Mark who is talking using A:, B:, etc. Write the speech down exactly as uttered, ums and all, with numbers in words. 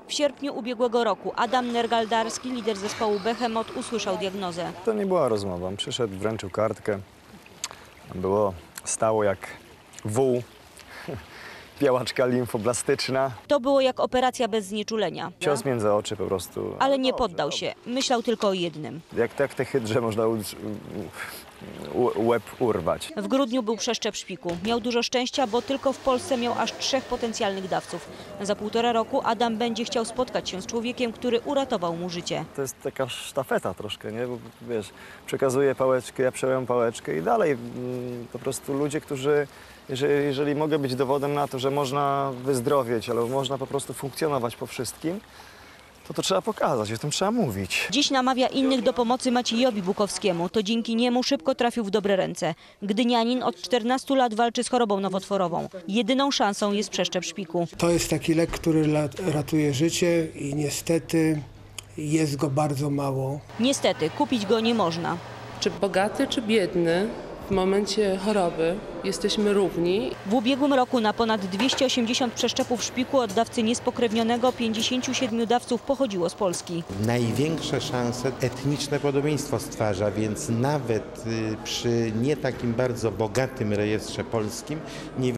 A: W sierpniu ubiegłego roku Adam Nergaldarski, lider zespołu Behemoth, usłyszał diagnozę.
B: To nie była rozmowa. On przyszedł, wręczył kartkę. Było stało jak wół, białaczka limfoblastyczna.
A: To było jak operacja bez znieczulenia.
B: Cios między oczy po prostu.
A: Ale nie poddał się. Myślał tylko o jednym.
B: Jak tak te hydrze można u, u, łeb urwać.
A: W grudniu był przeszczep szpiku. Miał dużo szczęścia, bo tylko w Polsce miał aż trzech potencjalnych dawców. Za półtora roku Adam będzie chciał spotkać się z człowiekiem, który uratował mu życie.
B: To jest taka sztafeta troszkę, nie? Bo wiesz, przekazuję pałeczkę, ja przejąłem pałeczkę i dalej mm, po prostu ludzie, którzy, jeżeli, jeżeli mogę być dowodem na to, że można wyzdrowieć, albo można po prostu funkcjonować po wszystkim, to to trzeba pokazać, o tym trzeba mówić.
A: Dziś namawia innych do pomocy Maciejowi Bukowskiemu. To dzięki niemu szybko trafił w dobre ręce. Gdynianin od czternastu lat walczy z chorobą nowotworową. Jedyną szansą jest przeszczep szpiku.
C: To jest taki lek, który ratuje życie i niestety jest go bardzo mało.
A: Niestety, kupić go nie można.
D: Czy bogaty, czy biedny, w momencie choroby jesteśmy równi.
A: W ubiegłym roku na ponad dwieście osiemdziesiąt przeszczepów szpiku od dawcy niespokrewnionego pięćdziesięciu siedmiu dawców pochodziło z Polski.
E: Największe szanse etniczne podobieństwo stwarza, więc nawet przy nie takim bardzo bogatym rejestrze polskim nie